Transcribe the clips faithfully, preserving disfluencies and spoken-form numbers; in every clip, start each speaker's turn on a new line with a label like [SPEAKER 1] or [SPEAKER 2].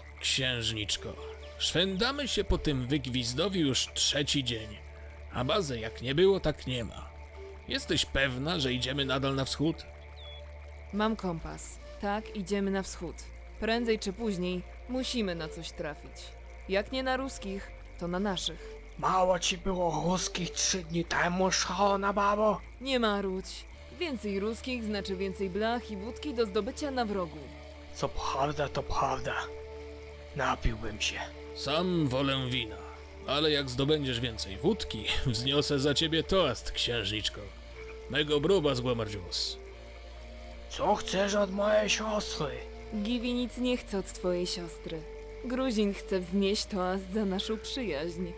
[SPEAKER 1] Księżniczko, szwendamy się po tym wygwizdowi już trzeci dzień, a bazy jak nie było, tak nie ma. Jesteś pewna, że idziemy nadal na wschód?
[SPEAKER 2] Mam kompas. Tak, idziemy na wschód. Prędzej czy później musimy na coś trafić. Jak nie na ruskich, to na naszych.
[SPEAKER 3] Mało ci było ruskich trzy dni temu, szalona babo?
[SPEAKER 2] Nie marudź. Więcej ruskich znaczy więcej blach i wódki do zdobycia na wrogu.
[SPEAKER 3] Co prawda, to prawda. Napiłbym się.
[SPEAKER 1] Sam wolę wina, ale jak zdobędziesz więcej wódki, wzniosę za ciebie toast, księżniczko. Mego bruba z Głamardzius.
[SPEAKER 3] Co chcesz od mojej siostry?
[SPEAKER 2] Givi nic nie chce od twojej siostry. Gruzin chce wznieść toast za naszą przyjaźń.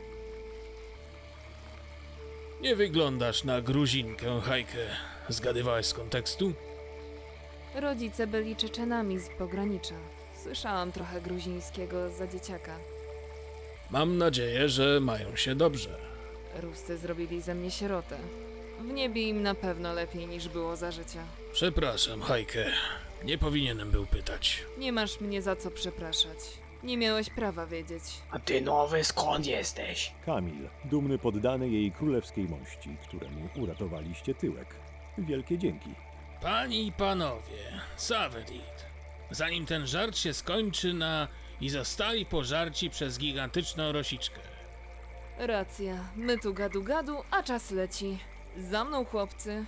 [SPEAKER 1] Nie wyglądasz na Gruzinkę, Hajkę. Zgadywałeś z kontekstu?
[SPEAKER 2] Rodzice byli Czeczenami z pogranicza. Słyszałam trochę gruzińskiego za dzieciaka.
[SPEAKER 1] Mam nadzieję, że mają się dobrze.
[SPEAKER 2] Ruscy zrobili ze mnie sierotę. W niebie im na pewno lepiej niż było za życia.
[SPEAKER 1] Przepraszam, Hajkę. Nie powinienem był pytać.
[SPEAKER 2] Nie masz mnie za co przepraszać. Nie miałeś prawa wiedzieć.
[SPEAKER 3] A ty nowy skąd jesteś?
[SPEAKER 4] Kamil, dumny poddany jej królewskiej mości, któremu uratowaliście tyłek. Wielkie dzięki.
[SPEAKER 1] Panie i panowie, Savedit. Zanim ten żart się skończy na... i zostali pożarci przez gigantyczną rosiczkę.
[SPEAKER 2] Racja. My tu gadu gadu, a czas leci. Za mną, chłopcy.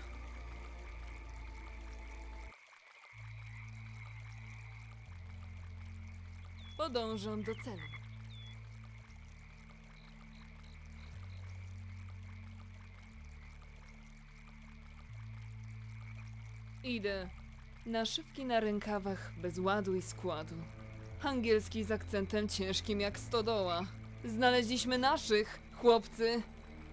[SPEAKER 2] Podążam do celu. Idę. Naszywki na rękawach bez ładu i składu. Angielski z akcentem ciężkim jak stodoła. Znaleźliśmy naszych, chłopcy.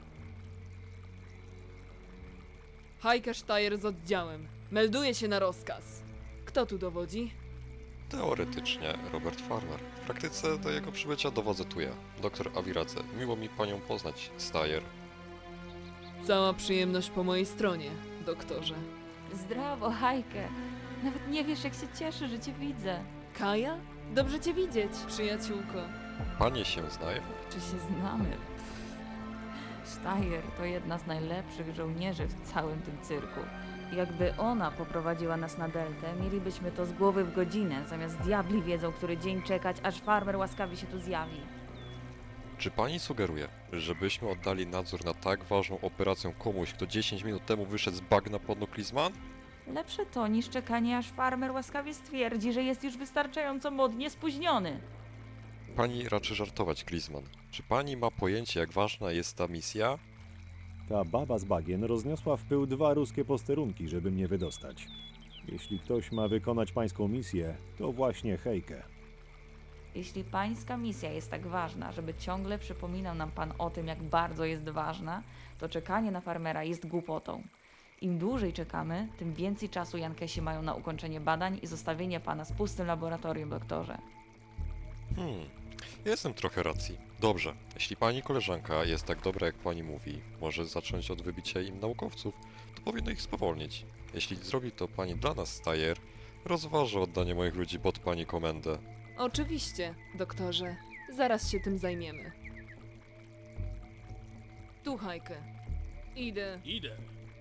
[SPEAKER 2] Heike-Steyr z oddziałem. Melduje się na rozkaz. Kto tu dowodzi?
[SPEAKER 5] Teoretycznie Robert Farmer. W praktyce do jego przybycia dowodzę tu ja, doktor Awiradze. Miło mi panią poznać, Steyr.
[SPEAKER 2] Cała przyjemność po mojej stronie, doktorze.
[SPEAKER 6] Zdrowo, Hajkę. Nawet nie wiesz, jak się cieszę, że cię widzę.
[SPEAKER 2] Kaja? Dobrze cię widzieć, przyjaciółko.
[SPEAKER 5] Panie się znają?
[SPEAKER 6] Czy się znamy? Pff. Steyr to jedna z najlepszych żołnierzy w całym tym cyrku. Jakby ona poprowadziła nas na deltę, mielibyśmy to z głowy w godzinę, zamiast diabli wiedzą, który dzień czekać, aż farmer łaskawie się tu zjawi.
[SPEAKER 5] Czy pani sugeruje, żebyśmy oddali nadzór na tak ważną operację komuś, kto dziesięć minut temu wyszedł z bagna pod Nuklizman?
[SPEAKER 6] Lepsze to niż czekanie, aż farmer łaskawie stwierdzi, że jest już wystarczająco modnie spóźniony.
[SPEAKER 5] Pani raczy żartować, Glizman. Czy pani ma pojęcie, jak ważna jest ta misja?
[SPEAKER 4] Ta baba z bagien rozniosła w pył dwa ruskie posterunki, żeby mnie wydostać. Jeśli ktoś ma wykonać pańską misję, to właśnie Hejkę.
[SPEAKER 6] Jeśli pańska misja jest tak ważna, żeby ciągle przypominał nam pan o tym, jak bardzo jest ważna, to czekanie na farmera jest głupotą. Im dłużej czekamy, tym więcej czasu Jankesi mają na ukończenie badań i zostawienie pana z pustym laboratorium, doktorze.
[SPEAKER 5] Hmm, jestem trochę racji. Dobrze, jeśli pani koleżanka jest tak dobra, jak pani mówi, może zacząć od wybicia im naukowców, to powinno ich spowolnić. Jeśli zrobi to pani dla nas, Steyr, rozważę oddanie moich ludzi pod pani komendę.
[SPEAKER 2] Oczywiście, doktorze. Zaraz się tym zajmiemy. Tu, Hajkę. Idę,
[SPEAKER 1] Idę.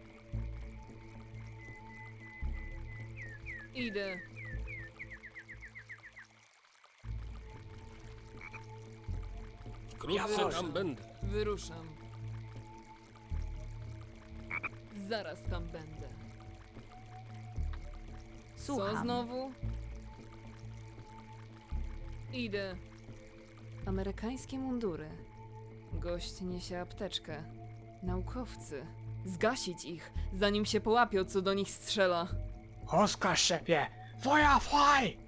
[SPEAKER 2] idę.
[SPEAKER 1] Wkrótce
[SPEAKER 3] Ja
[SPEAKER 1] tam będę.
[SPEAKER 2] Wyruszam. Zaraz tam będę. Co
[SPEAKER 6] Słucham.
[SPEAKER 2] znowu? Idę. Amerykańskie mundury. Gość niesie apteczkę. Naukowcy. Zgasić ich, zanim się połapią, co do nich strzela.
[SPEAKER 3] Rozkaz szefie! Feuer frei!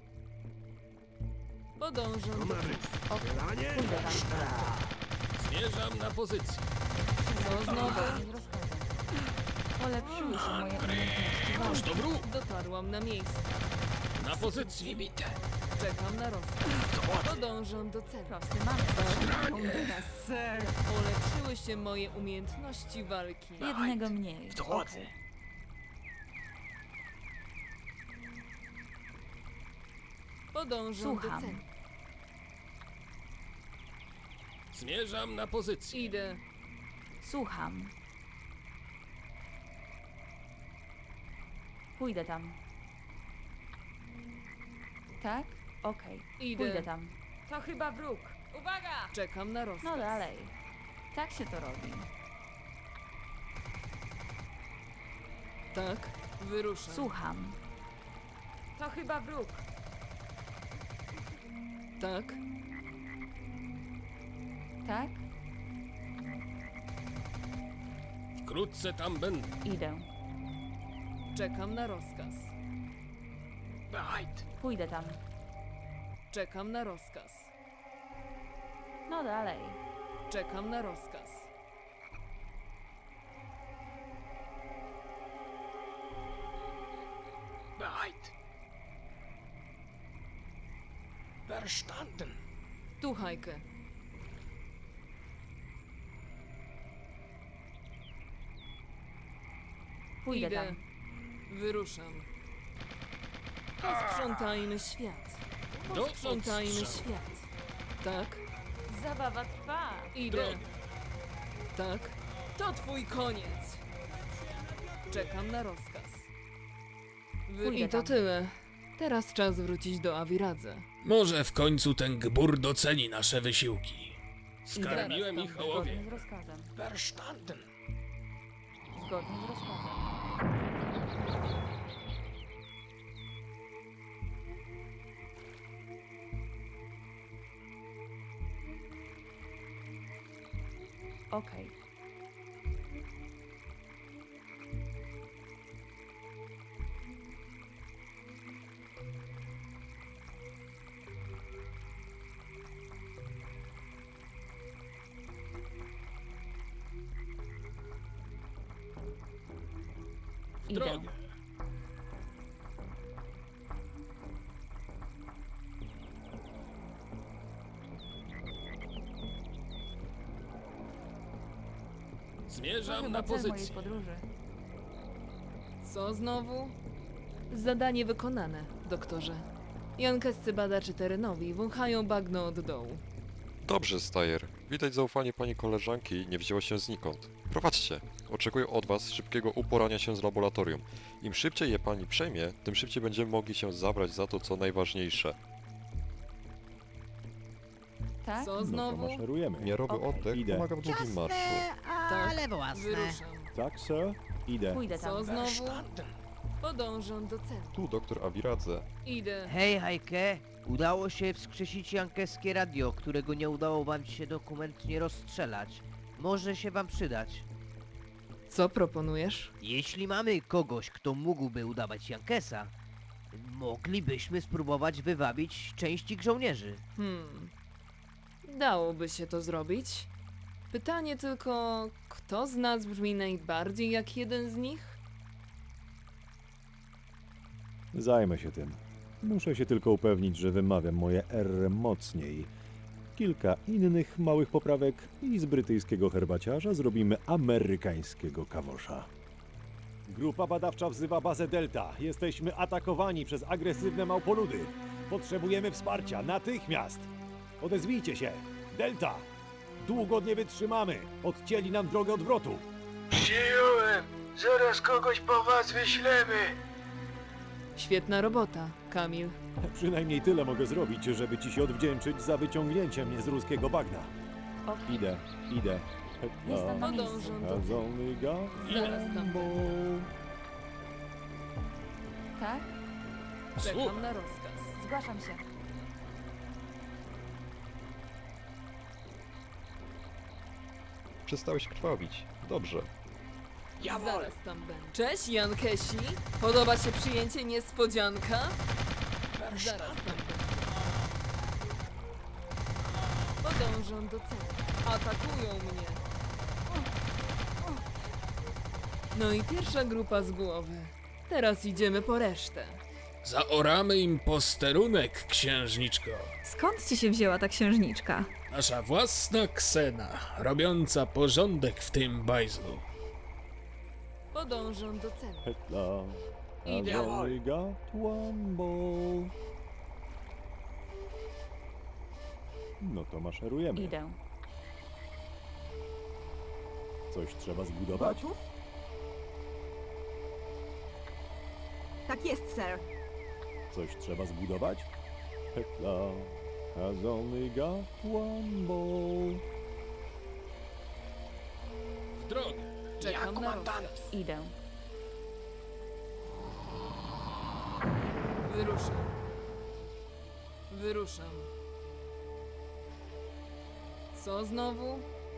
[SPEAKER 2] Podążam do...
[SPEAKER 6] Pójdę tam.
[SPEAKER 1] Zmierzam na pozycję.
[SPEAKER 2] Co znowu?
[SPEAKER 6] Zgodnie z rozkazem. Polepszyły się moje umiejętności
[SPEAKER 1] Toż
[SPEAKER 6] walki.
[SPEAKER 1] to wróg.
[SPEAKER 2] Dotarłam na miejsce.
[SPEAKER 1] Na pozycji.
[SPEAKER 2] Czekam na rozkaz. Podążam do celu.
[SPEAKER 6] Prosty mam.
[SPEAKER 2] Polepszyły się moje umiejętności walki.
[SPEAKER 6] Jednego mniej.
[SPEAKER 3] W drodze.
[SPEAKER 2] Podążam
[SPEAKER 6] Słucham.
[SPEAKER 2] do celu.
[SPEAKER 1] Zmierzam na pozycję.
[SPEAKER 2] Idę.
[SPEAKER 6] Słucham. Pójdę tam. Tak? Okej.
[SPEAKER 2] Idę.
[SPEAKER 6] Pójdę tam. To chyba wróg. Uwaga!
[SPEAKER 2] Czekam na rozkaz.
[SPEAKER 6] No dalej. Tak się to robi.
[SPEAKER 2] Tak, wyruszam.
[SPEAKER 6] Słucham. To chyba wróg.
[SPEAKER 2] Tak,
[SPEAKER 6] Tak?
[SPEAKER 1] Wkrótce tam będę.
[SPEAKER 6] Idę.
[SPEAKER 2] czekam na rozkaz.
[SPEAKER 3] Bereit.
[SPEAKER 6] Pójdę tam.
[SPEAKER 2] Czekam na rozkaz.
[SPEAKER 6] No dalej.
[SPEAKER 2] Czekam na rozkaz.
[SPEAKER 3] Bereit. Verstanden.
[SPEAKER 2] Tu, Hajkę.
[SPEAKER 6] Pójdę
[SPEAKER 2] Idę.
[SPEAKER 6] tam.
[SPEAKER 2] Wyruszam. Posprzątajmy świat.
[SPEAKER 1] Do
[SPEAKER 2] Posprzątajmy
[SPEAKER 1] odstrzału.
[SPEAKER 2] świat. Tak,
[SPEAKER 6] Zabawa trwa.
[SPEAKER 2] idę.
[SPEAKER 1] Drogę.
[SPEAKER 2] Tak, to twój koniec. Czekam na rozkaz. Wy...
[SPEAKER 6] Pójdę
[SPEAKER 2] I to
[SPEAKER 6] tam.
[SPEAKER 2] tyle. Teraz czas wrócić do Awiradze.
[SPEAKER 1] Może w końcu ten gbur doceni nasze wysiłki. Skarmiłem
[SPEAKER 2] zaraz
[SPEAKER 1] ich
[SPEAKER 2] tam
[SPEAKER 1] ołowie.
[SPEAKER 6] Zgodnie z rozkazem.
[SPEAKER 3] Verstanden.
[SPEAKER 6] Zgodnie z rozkazem. Okej.
[SPEAKER 1] W
[SPEAKER 6] Idę.
[SPEAKER 1] drogę.
[SPEAKER 6] To
[SPEAKER 1] Zmierzam
[SPEAKER 6] chyba
[SPEAKER 1] na
[SPEAKER 6] cel mojej
[SPEAKER 1] pozycję.
[SPEAKER 6] podróży.
[SPEAKER 2] Co znowu? Zadanie wykonane, doktorze. Jankescy badacze terenowi wąchają bagno od dołu.
[SPEAKER 5] Dobrze, Stajer. Widać zaufanie pani koleżanki nie wzięło się znikąd. Prowadźcie. Oczekuję od was szybkiego uporania się z laboratorium. Im szybciej je pani przejmie, tym szybciej będziemy mogli się zabrać za to, co najważniejsze.
[SPEAKER 6] Tak?
[SPEAKER 2] Co
[SPEAKER 4] No to
[SPEAKER 2] znowu?
[SPEAKER 4] maszerujemy.
[SPEAKER 5] Miarowy
[SPEAKER 6] Okej.
[SPEAKER 5] oddech
[SPEAKER 4] Idę.
[SPEAKER 5] pomaga w długim marszu.
[SPEAKER 7] ale własne.
[SPEAKER 2] Wyruszam.
[SPEAKER 4] Tak, sir? Idę.
[SPEAKER 6] Pójdę tam.
[SPEAKER 2] Co znowu?
[SPEAKER 3] Verstanden.
[SPEAKER 2] Podążam do celu.
[SPEAKER 5] Tu doktor Awiradze.
[SPEAKER 2] Idę.
[SPEAKER 7] Hej, Hajke, udało się wskrzesić jankeskie radio, którego nie udało wam się dokumentnie rozstrzelać. Może się wam przydać.
[SPEAKER 2] Co proponujesz?
[SPEAKER 7] Jeśli mamy kogoś, kto mógłby udawać Jankesa, moglibyśmy spróbować wywabić część ich żołnierzy.
[SPEAKER 2] Hmm. Dałoby się to zrobić. Pytanie tylko, kto z nas brzmi najbardziej jak jeden z nich?
[SPEAKER 4] Zajmę się tym. Muszę się tylko upewnić, że wymawiam moje R mocniej. Kilka innych małych poprawek i z brytyjskiego herbaciarza zrobimy amerykańskiego kawosza. Grupa badawcza wzywa bazę Delta. Jesteśmy atakowani przez agresywne małpoludy. Potrzebujemy wsparcia natychmiast. Odezwijcie się. Delta! Długo nie wytrzymamy. Odcięli nam drogę odwrotu.
[SPEAKER 3] Przyjąłem. Zaraz kogoś po was wyślemy.
[SPEAKER 2] Świetna robota, Kamil.
[SPEAKER 4] Przynajmniej tyle mogę zrobić, żeby ci się odwdzięczyć za wyciągnięcie mnie z ruskiego bagna.
[SPEAKER 6] Okej.
[SPEAKER 4] Idę, idę.
[SPEAKER 6] Jestem na miejscu.
[SPEAKER 2] Podążam do
[SPEAKER 4] Has
[SPEAKER 2] celu.
[SPEAKER 4] only got
[SPEAKER 2] Zaraz tam
[SPEAKER 4] one ball.
[SPEAKER 6] Tak?
[SPEAKER 2] Czekam
[SPEAKER 1] Słucham.
[SPEAKER 2] na rozkaz.
[SPEAKER 6] Zgłaszam się.
[SPEAKER 5] Przestałeś krwawić. Dobrze.
[SPEAKER 3] Jawohl.
[SPEAKER 2] Zaraz tam będę. Cześć, Jankesi. Podoba się przyjęcie niespodzianka? Zaraz tam będę. Podążam do celu. Atakują mnie. No i pierwsza grupa z głowy. Teraz idziemy po resztę.
[SPEAKER 1] Zaoramy im posterunek, księżniczko.
[SPEAKER 8] Skąd ci się wzięła ta księżniczka?
[SPEAKER 1] Nasza własna Ksena, robiąca porządek w tym bajzlu.
[SPEAKER 2] Podążam do celu.
[SPEAKER 4] Hetla.
[SPEAKER 2] Idę.
[SPEAKER 4] Has only got one ball. No to maszerujemy.
[SPEAKER 6] Idę.
[SPEAKER 4] Coś trzeba zbudować?
[SPEAKER 8] Gotów? Tak jest, sir.
[SPEAKER 4] Coś trzeba zbudować? Hekla has only got one ball.
[SPEAKER 1] W drogę.
[SPEAKER 3] Ja,
[SPEAKER 2] Czekam na
[SPEAKER 3] komandant.
[SPEAKER 2] rozkaz.
[SPEAKER 6] Idę.
[SPEAKER 2] Wyruszam. Wyruszam. Co znowu?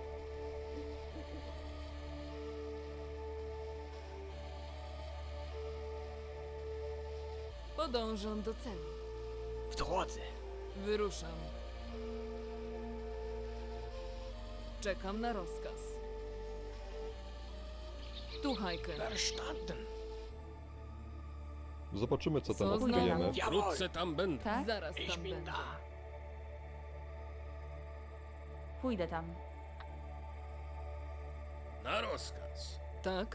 [SPEAKER 2] Podążam do celu.
[SPEAKER 3] W drodze.
[SPEAKER 2] Wyruszam. Czekam na rozkaz. Tu, Hajkę.
[SPEAKER 3] Verstanden.
[SPEAKER 5] Zobaczymy, co tam
[SPEAKER 2] Co znowu?
[SPEAKER 5] odkryjemy.
[SPEAKER 3] Jawohl.
[SPEAKER 1] Wkrótce tam będę.
[SPEAKER 6] Tak?
[SPEAKER 2] Zaraz
[SPEAKER 3] Ich
[SPEAKER 2] tam
[SPEAKER 3] bin
[SPEAKER 2] będę.
[SPEAKER 3] da.
[SPEAKER 6] Pójdę tam.
[SPEAKER 1] Na rozkaz.
[SPEAKER 2] Tak?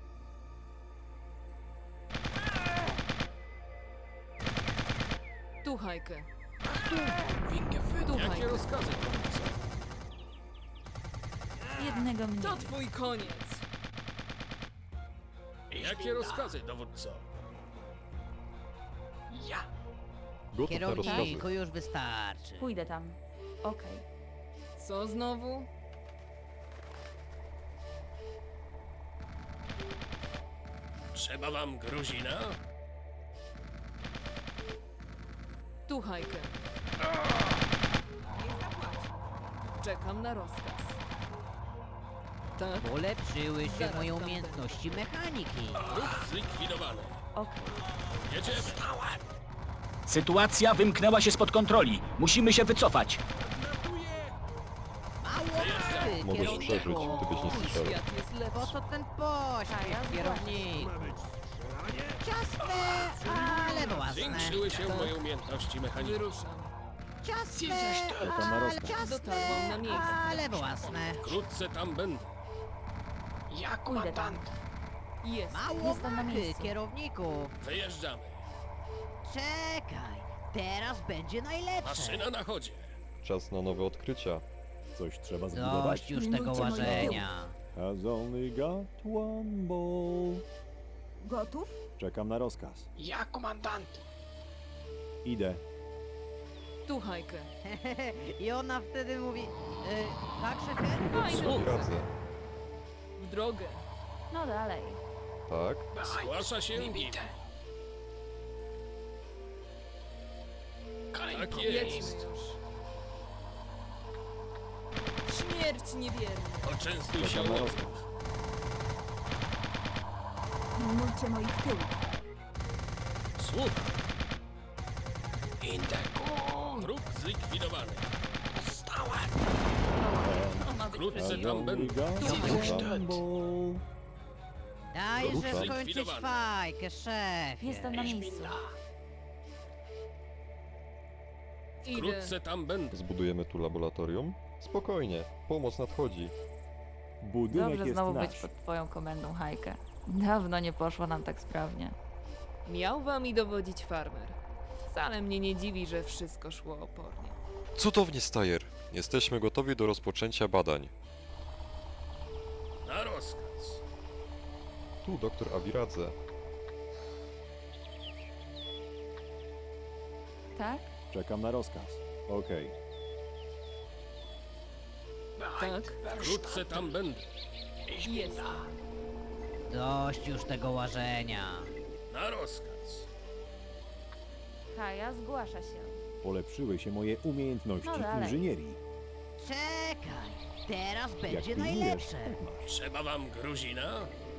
[SPEAKER 2] Tu, Hajkę.
[SPEAKER 3] Bin geführt.
[SPEAKER 2] Tu,
[SPEAKER 1] Jakie
[SPEAKER 2] Hajkę.
[SPEAKER 1] rozkazy, dowódco?
[SPEAKER 6] Jednego mniej.
[SPEAKER 2] To twój koniec.
[SPEAKER 1] Jakie rozkazy, dowódco?
[SPEAKER 3] Ja.
[SPEAKER 5] Gotów na rozkazy.
[SPEAKER 7] Kierowniku, już wystarczy.
[SPEAKER 6] Pójdę tam. Okej.
[SPEAKER 2] Co znowu?
[SPEAKER 1] Trzeba wam Gruzina?
[SPEAKER 2] Tu, Hajkę. Czekam na rozkaz. Tak?
[SPEAKER 7] Polepszyły się
[SPEAKER 2] Zaraz
[SPEAKER 7] moje
[SPEAKER 2] tam
[SPEAKER 7] umiejętności mechaniki.
[SPEAKER 1] Ruch zlikwidowany.
[SPEAKER 6] Okej.
[SPEAKER 1] Jedziemy.
[SPEAKER 9] Sytuacja wymknęła się spod kontroli. Musimy się wycofać.
[SPEAKER 7] Mało ty,
[SPEAKER 5] Możesz
[SPEAKER 7] kierowniku.
[SPEAKER 5] przeżyć, gdybyś nie
[SPEAKER 2] Mój
[SPEAKER 5] strzelał.
[SPEAKER 2] świat jest
[SPEAKER 7] Po
[SPEAKER 2] lepszy.
[SPEAKER 7] co ten
[SPEAKER 6] A ja
[SPEAKER 7] pośpiech, kierownik? Ciasne, ale własne.
[SPEAKER 1] Zwiększyły się moje umiejętności mechaniczne.
[SPEAKER 2] Wyruszam.
[SPEAKER 7] Ciasne,
[SPEAKER 4] Czekam na
[SPEAKER 7] ale
[SPEAKER 4] rozkaz.
[SPEAKER 2] Dotarłam na
[SPEAKER 7] ciasne,
[SPEAKER 2] miejsce.
[SPEAKER 7] ale własne.
[SPEAKER 1] Wkrótce tam będę.
[SPEAKER 3] Ja,
[SPEAKER 6] Pójdę tam.
[SPEAKER 3] komandant.
[SPEAKER 2] Jest.
[SPEAKER 7] Mało
[SPEAKER 6] Jestem na
[SPEAKER 7] machy,
[SPEAKER 6] miejscu.
[SPEAKER 7] kierowniku.
[SPEAKER 1] Wyjeżdżamy.
[SPEAKER 7] Czekaj, teraz będzie najlepsze.
[SPEAKER 1] Maszyna na chodzie.
[SPEAKER 5] Czas na nowe odkrycia.
[SPEAKER 4] Coś trzeba zbudować?
[SPEAKER 7] Dość już tego
[SPEAKER 8] Pilnujcie moich
[SPEAKER 7] łażenia.
[SPEAKER 4] Has only got one ball.
[SPEAKER 8] Gotów?
[SPEAKER 4] Czekam na rozkaz.
[SPEAKER 3] Ja, komandant.
[SPEAKER 4] Idę.
[SPEAKER 2] Tu, Hajkę.
[SPEAKER 7] I ona wtedy mówi, y, tak szefie?
[SPEAKER 2] Fajny.
[SPEAKER 5] Radzę.
[SPEAKER 2] W drogę.
[SPEAKER 6] No dalej.
[SPEAKER 5] Tak?
[SPEAKER 1] Zgłasza się
[SPEAKER 3] Nie
[SPEAKER 1] Gibi.
[SPEAKER 3] bitte. Kein
[SPEAKER 1] Tak
[SPEAKER 3] Problem.
[SPEAKER 1] jest.
[SPEAKER 2] Śmierć niewierna.
[SPEAKER 1] Poczęstuj się
[SPEAKER 4] Czekam na
[SPEAKER 1] łową.
[SPEAKER 4] rozkaz.
[SPEAKER 8] Pilnujcie moich tyłów.
[SPEAKER 1] Słucham.
[SPEAKER 3] In der Gun.
[SPEAKER 1] Wróg zlikwidowany.
[SPEAKER 3] Dostałem.
[SPEAKER 1] Wkrótce
[SPEAKER 4] Has
[SPEAKER 1] tam
[SPEAKER 4] only
[SPEAKER 1] będę.
[SPEAKER 4] got
[SPEAKER 3] Zniszczyć.
[SPEAKER 4] one ball.
[SPEAKER 7] Dajże
[SPEAKER 5] Ruszam.
[SPEAKER 7] skończyć
[SPEAKER 1] Zlikwidowany.
[SPEAKER 7] fajkę, szefie.
[SPEAKER 6] Jestem na
[SPEAKER 3] Ich bin
[SPEAKER 6] miejscu.
[SPEAKER 3] da.
[SPEAKER 2] Idę.
[SPEAKER 1] Wkrótce tam będę.
[SPEAKER 5] Zbudujemy tu laboratorium? Spokojnie, pomoc nadchodzi.
[SPEAKER 4] Budynek
[SPEAKER 6] Dobrze
[SPEAKER 4] jest
[SPEAKER 6] znowu
[SPEAKER 4] nasz.
[SPEAKER 6] być pod twoją komendą, Hajkę. Dawno nie poszło nam tak sprawnie.
[SPEAKER 2] Miał wami dowodzić farmer. Wcale mnie nie dziwi, że wszystko szło opornie.
[SPEAKER 5] Cudownie, Stajer. Jesteśmy gotowi do rozpoczęcia badań.
[SPEAKER 1] Na rozkaz.
[SPEAKER 5] Tu doktor Awiradze.
[SPEAKER 6] Tak?
[SPEAKER 4] Czekam na rozkaz. Okej.
[SPEAKER 3] Bereit.
[SPEAKER 2] Tak?
[SPEAKER 1] Wkrótce tam będę.
[SPEAKER 3] Ich bin
[SPEAKER 2] Jest.
[SPEAKER 3] da.
[SPEAKER 7] Dość już tego łażenia.
[SPEAKER 1] Na rozkaz.
[SPEAKER 6] Haja zgłasza się.
[SPEAKER 4] Polepszyły się moje umiejętności
[SPEAKER 6] No dalej.
[SPEAKER 4] inżynierii.
[SPEAKER 7] Czekaj, teraz
[SPEAKER 4] Jak
[SPEAKER 7] będzie
[SPEAKER 4] pilnujesz,
[SPEAKER 7] najlepsze.
[SPEAKER 4] tak masz.
[SPEAKER 1] Trzeba wam Gruzina?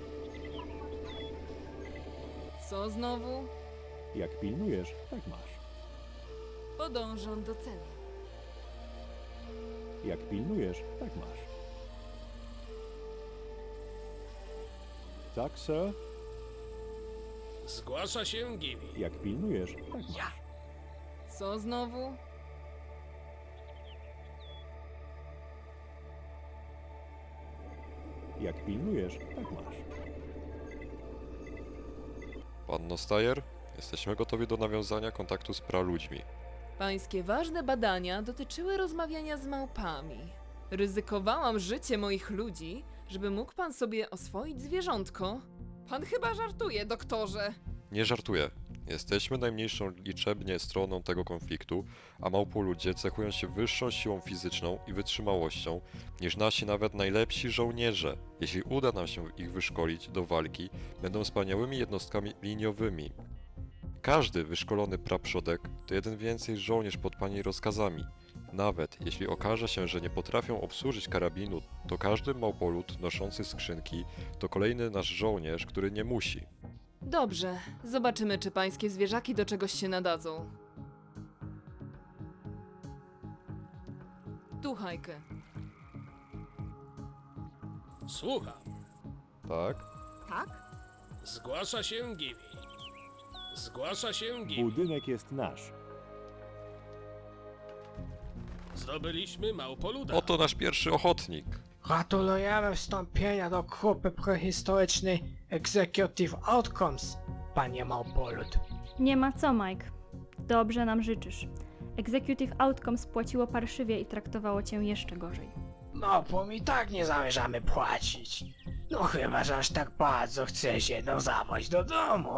[SPEAKER 2] Co znowu?
[SPEAKER 4] Jak pilnujesz, tak masz.
[SPEAKER 2] Podążam do celu.
[SPEAKER 4] Jak pilnujesz, tak masz. Tak, sir.
[SPEAKER 1] Zgłasza się Gibi.
[SPEAKER 4] Jak pilnujesz, tak masz.
[SPEAKER 3] Ja.
[SPEAKER 2] Co znowu?
[SPEAKER 4] Jak pilnujesz, tak masz.
[SPEAKER 5] Panno Stajer, jesteśmy gotowi do nawiązania kontaktu z praludźmi.
[SPEAKER 2] Pańskie ważne badania dotyczyły rozmawiania z małpami. Ryzykowałam życie moich ludzi, żeby mógł pan sobie oswoić zwierzątko? Pan chyba żartuje, doktorze.
[SPEAKER 5] Nie żartuję. Jesteśmy najmniejszą liczebnie stroną tego konfliktu, a małpoludzie cechują się wyższą siłą fizyczną i wytrzymałością niż nasi nawet najlepsi żołnierze. Jeśli uda nam się ich wyszkolić do walki, będą wspaniałymi jednostkami liniowymi. Każdy wyszkolony praprzodek to jeden więcej żołnierz pod pani rozkazami. Nawet jeśli okaże się, że nie potrafią obsłużyć karabinu, to każdy małpolud noszący skrzynki to kolejny nasz żołnierz, który nie musi.
[SPEAKER 2] Dobrze, zobaczymy, czy pańskie zwierzaki do czegoś się nadadzą. Tu, Hajkę.
[SPEAKER 1] Słucham.
[SPEAKER 5] Tak?
[SPEAKER 8] Tak?
[SPEAKER 1] Zgłasza się Givi. Zgłasza się Givi.
[SPEAKER 4] Budynek jest nasz.
[SPEAKER 1] Zdobyliśmy małpoluda.
[SPEAKER 5] Oto nasz pierwszy ochotnik.
[SPEAKER 3] Gratulujemy wstąpienia do grupy prehistorycznej Executive Outcomes, panie Małpolud.
[SPEAKER 10] Nie ma co, Mike. Dobrze nam życzysz. Executive Outcomes spłaciło parszywie i traktowało cię jeszcze gorzej.
[SPEAKER 3] Małpom i tak nie zamierzamy płacić. No chyba, że aż tak bardzo chce się no zabrać do domu.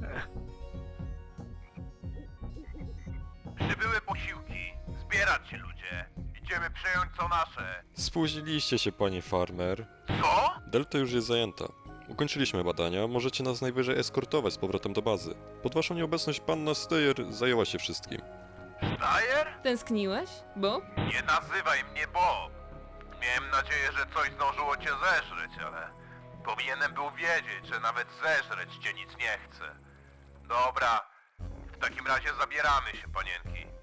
[SPEAKER 11] Przybyły posiłki. Zbierać się, ludzie. Idziemy przejąć co nasze.
[SPEAKER 5] Spóźniliście się, pani farmer.
[SPEAKER 11] Co?
[SPEAKER 5] Delta już jest zajęta. Ukończyliśmy badania, możecie nas najwyżej eskortować z powrotem do bazy. Pod waszą nieobecność panna Steyer zajęła się wszystkim.
[SPEAKER 11] Stajer?
[SPEAKER 2] Tęskniłeś, Bob?
[SPEAKER 11] Nie nazywaj mnie Bob. Miałem nadzieję, że coś zdążyło cię zeżreć, ale powinienem był wiedzieć, że nawet zeżreć cię nic nie chce. Dobra, w takim razie zabieramy się, panienki.